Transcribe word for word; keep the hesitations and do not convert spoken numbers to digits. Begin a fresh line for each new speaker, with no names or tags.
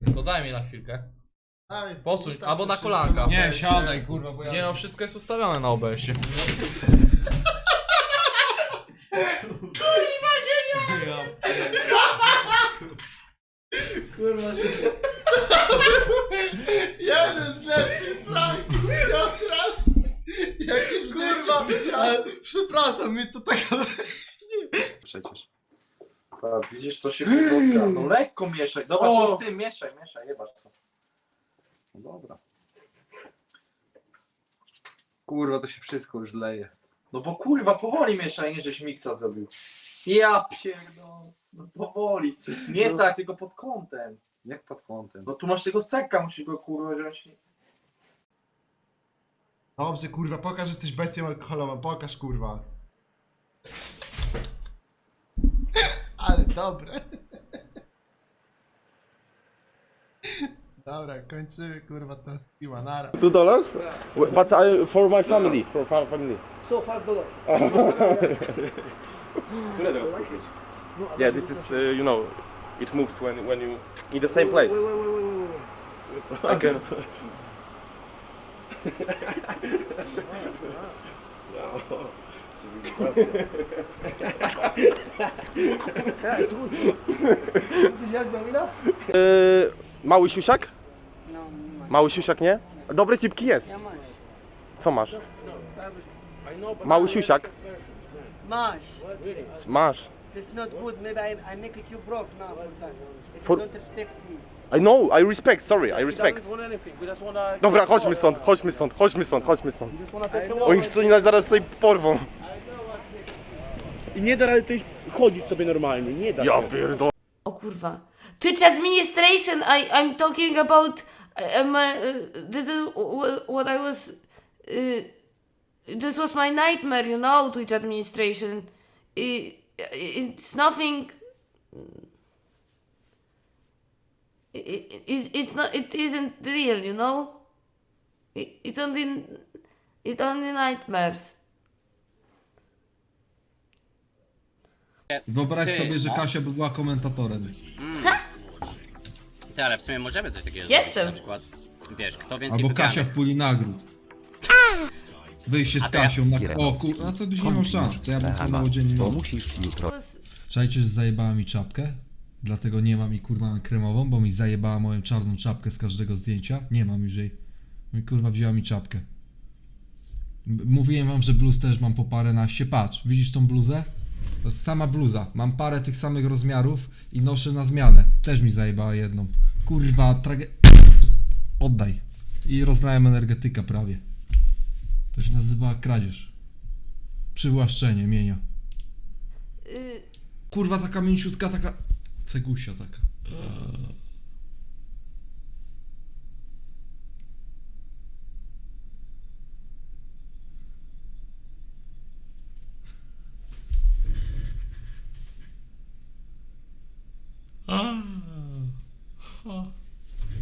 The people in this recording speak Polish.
To daj mi na chwilkę.
Daj,
Posuń,
ustaw
albo
się
na
wszystko
kolanka.
na
Nie,
O B S-ie.
siadaj kurwa, bo ja...
Nie no, wszystko jest ustawione na O B S-ie.
Kurwa się... Jeden z lepszych pranków raz. Jakim kurwa, ale przepraszam, mnie to taka...
Przecież. Patrz, widzisz, to się podłotka. No lekko mieszaj. Dobra,
O!
to z tym mieszaj, mieszaj, jebasz to. No dobra. Kurwa, to się wszystko już leje. No bo kurwa, powoli mieszaj, nie żeś miksa zrobił. Ja pierdolę. No powoli. Nie
No.
tak, tylko pod kątem.
Jak pod kątem?
No tu masz tego sekka, musisz go kurwa wziąć.
Dobrze, kurwa, pokaż, że jesteś bestią alkoholową, pokaż, kurwa. Ale dobre. Dobra, kończymy, kurwa, to streama, nara.
Two dollars? But I, for my family, for my family.
So five dollars.
Które teraz kupić? Yeah, this is, uh, you know, it moves when when you in the same place.
Wait, wait, wait, wait, wait, wait.
I can.
Jak domina?
Yy, mały siusiak? Mały siusiak, nie? Dobre cipki jest. Co masz? Mały siusiak.
Mash.
Masz.
That's not good. Maybe I, I make it you broke now for that. If
For-
you don't respect me.
I know, I respect, sorry, I respect.
want anything. We just wanna...
Dobra, chodźmy stąd, chodźmy stąd, chodźmy stąd, chodźmy stąd.
just wanna take
Oni chcą nas zaraz sobie porwą.
I nie da rady tutaj chodzić sobie normalnie, nie da
Ja
się.
pierdolę.
O kurwa. Twitch administration, I, I'm talking about, um, uh, this is wh- what I was, uh, this was my nightmare, you know, Twitch administration. I, it's nothing, it, it, it's not, it isn't real, you know? It, it's only, it's only nightmares.
Wyobraź
Ty,
sobie, że
no.
Kasia by była komentatorem.
Ty, ale w sumie możemy coś takiego
Jestem.
zrobić, na przykład, wiesz, kto więcej
Albo
wygrany.
Kasia w puli nagród. Wyjście z
A to ja-
Kasią na... O kurwa, a co byś nie miał szans, to ja bym to małodziennie miał.
Was,
Czajcie, że zajebała mi czapkę? Dlatego nie mam i kurwa mam kremową, bo mi zajebała moją czarną czapkę z każdego zdjęcia. Nie mam już jej. No i kurwa wzięła mi czapkę. M- Mówiłem wam, że bluz też mam po paręnaście. Patrz, widzisz tą bluzę? To jest sama bluza. Mam parę tych samych rozmiarów i noszę na zmianę. Też mi zajebała jedną. Kurwa, trage... Oddaj. I roznałem energetyka prawie. To się nazywa kradzież. Przywłaszczenie mienia.
y,
Kurwa, taka mięciutka, taka... Cegusia taka.